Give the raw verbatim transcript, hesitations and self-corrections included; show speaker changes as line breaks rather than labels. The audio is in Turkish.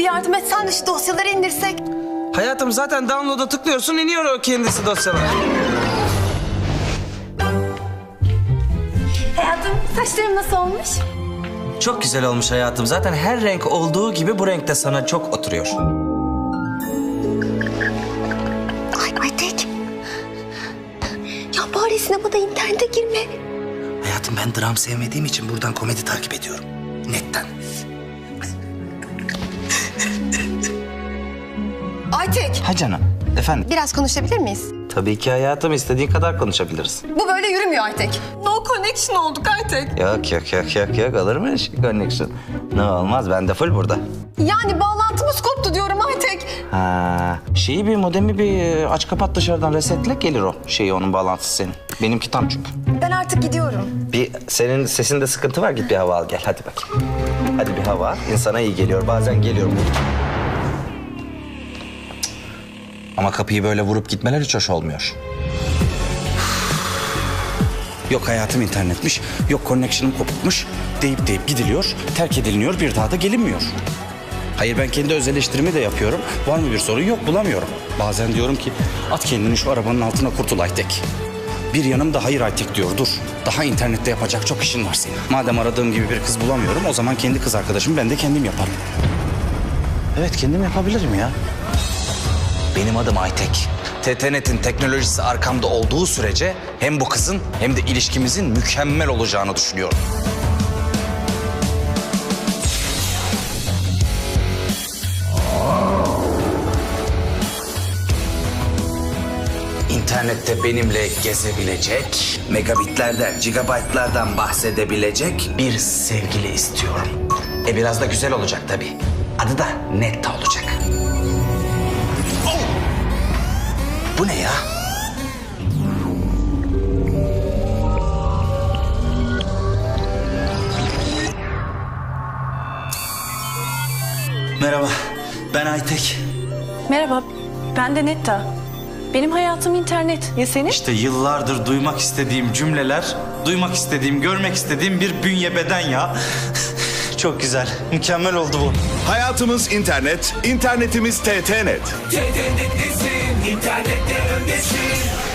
bir yardım etsen de şu dosyaları indirsek.
Hayatım zaten download'a tıklıyorsun, iniyor o kendisi dosyalar.
Hayatım, saçlarım nasıl olmuş?
Çok güzel olmuş hayatım. Zaten her renk olduğu gibi bu renk de sana çok oturuyor.
Ay Aytek. Ya bari sinemada internete girme.
Hayatım ben dram sevmediğim için buradan komedi takip ediyorum. Netten.
Aytek.
Ha canım. Efendim?
Biraz konuşabilir miyiz?
Tabii ki hayatım. istediğin kadar konuşabiliriz.
Bu böyle yürümüyor Aytek. No connection olduk Aytek.
Yok yok yok yok yok. Olur mu şey connection? Ne olmaz. Ben de full burada.
Yani bağlantımız koptu diyorum Aytek.
Ha, şeyi bir modemi bir aç kapat dışarıdan resetle gelir o. Şeyi onun bağlantısı senin. Benimki tam çünkü.
Ben artık gidiyorum.
Bir senin sesinde sıkıntı var. Git bir hava al gel. Hadi bakayım. Hadi bir hava al. İnsana iyi geliyor. Bazen geliyor bu. Ama kapıyı böyle vurup gitmeler hiç hoş olmuyor.
Yok hayatım internetmiş, yok connection'ım kopukmuş deyip deyip gidiliyor, terk ediliniyor, bir daha da gelinmiyor. Hayır ben kendi öz eleştirimi de yapıyorum. Var mı bir sorun? Yok bulamıyorum. Bazen diyorum ki at kendini şu arabanın altına kurtul Aytek. Bir yanım da hayır Aytek diyor dur. Daha internette yapacak çok işin var senin. Madem aradığım gibi bir kız bulamıyorum o zaman kendi kız arkadaşımı ben de kendim yaparım.
Evet kendim yapabilirim ya. Benim adım Aytek. T T Net'in teknolojisi arkamda olduğu sürece hem bu kızın hem de ilişkimizin mükemmel olacağını düşünüyorum. İnternette benimle gezebilecek, megabitlerden, gigabaytlardan bahsedebilecek bir sevgili istiyorum. E biraz da güzel olacak tabii. Adı da Netta olacak. Bu ne ya?
Merhaba ben Aytek.
Merhaba, ben de Netta. Benim hayatım internet. Ya senin?
İşte yıllardır duymak istediğim cümleler, duymak istediğim, görmek istediğim bir bünye beden ya. Çok güzel, mükemmel oldu bu.
Hayatımız internet, internetimiz T T Net.
T T Net'lisin, internette öndesin.